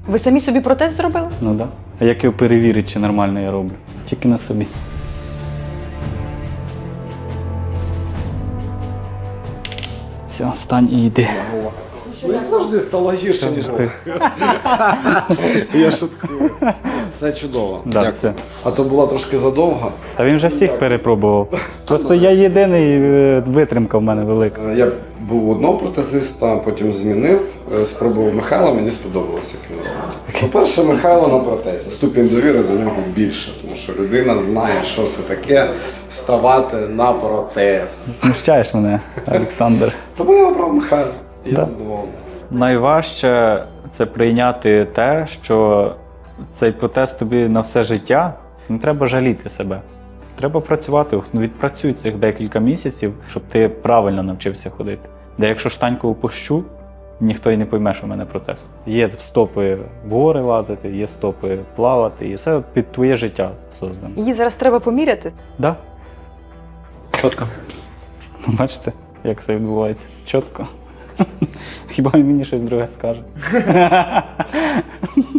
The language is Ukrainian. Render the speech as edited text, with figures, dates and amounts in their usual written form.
Ви самі собі протез зробили? Ну так. Да. А як його перевірити, чи нормально я роблю? Тільки на собі. Все, стань і йди. Ну, як завжди, стало гірше, ніж було. Я шуткую. Все чудово. Да, Дякую. це. А то була трошки задовга. Та він вже всіх перепробував. Просто я єдиний, витримка в мене велика. Я був у одного протезиста, потім змінив, спробував Михайла, мені сподобалося, як він робить. По-перше, Михайло на протезі. Ступінь довіри до нього більше, тому що людина знає, що це таке вставати на протез. Смущаєш мене, Олександр. Тому я обрав Михайла. І я Да. задоволений. Найважче це прийняти те, що цей протез тобі на все життя. Не треба жаліти себе. Треба працювати, відпрацюй цих декілька місяців, щоб ти правильно навчився ходити. Де якщо штаньку опущу, ніхто й не пойме, що в мене протез. Є стопи в гори лазити, є стопи плавати, і все під твоє життя создано. Її зараз треба поміряти. Да? Чітко. Бачите, як це відбувається? Чітко. Хіба він мені щось друге скаже?